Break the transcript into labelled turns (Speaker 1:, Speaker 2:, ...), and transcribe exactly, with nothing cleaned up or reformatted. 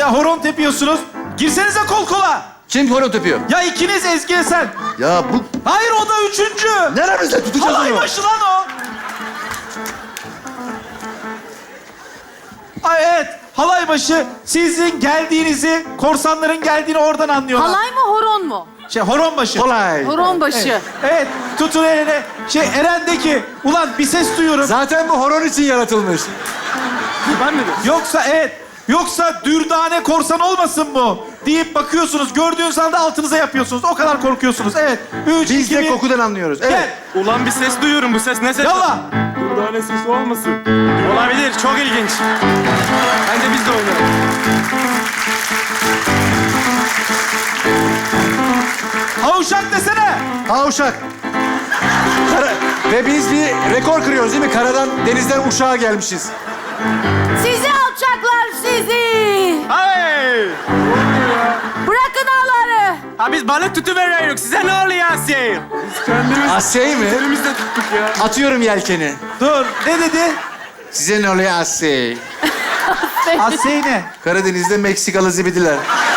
Speaker 1: Ya horon tepiyorsunuz. Girsenize kol kola.
Speaker 2: Kim horon tepiyor?
Speaker 1: Ya ikiniz Ezgi'ye sen.
Speaker 2: Ya bu
Speaker 1: Hayır o da üçüncü.
Speaker 2: neremizde tutacağız
Speaker 1: Halay
Speaker 2: onu?
Speaker 1: başı lan o. Ay evet. Halay başı sizin geldiğinizi, korsanların geldiğini oradan anlıyorlar.
Speaker 3: Halay mı horon mu?
Speaker 1: Şey horon başı.
Speaker 2: Kolay.
Speaker 3: Horon başı.
Speaker 1: Evet, tutun eline. Şey Eren'deki, ulan bir ses duyuyorum.
Speaker 2: Zaten bu horon için yaratılmış.
Speaker 1: Ben mi? Yoksa evet, yoksa dürdane korsan olmasın bu deyip bakıyorsunuz. Gördüğünüz anda altınıza yapıyorsunuz. O kadar korkuyorsunuz. Evet. Üç,
Speaker 2: Biz
Speaker 1: iki,
Speaker 2: de
Speaker 1: bir.
Speaker 2: kokudan anlıyoruz. Evet.
Speaker 1: Gel.
Speaker 4: Ulan bir ses duyuyorum. Bu ses ne ses?
Speaker 1: Yallah.
Speaker 4: Durdane sesi olmasın. Olabilir. Çok ilginç. Bence biz de oynayalım.
Speaker 1: Havuşak desene.
Speaker 2: Ha uşak. Kara... Ve biz bir rekor kırıyoruz değil mi? Karadan, denizden uşağa gelmişiz.
Speaker 3: Sizi alçaklar sizi.
Speaker 4: Hey!
Speaker 3: Bırakın ağları.
Speaker 4: Ha biz balık tutuveriyoruz. Size ne oluyor Asya'yı? Biz kendimiz
Speaker 2: Asey mi?
Speaker 4: elimizde tuttuk ya.
Speaker 2: Atıyorum yelkeni.
Speaker 1: Dur. Ne dedi?
Speaker 2: Size ne oluyor Asey?
Speaker 1: Asey ne?
Speaker 2: Karadeniz'de Meksikalı zibidiler.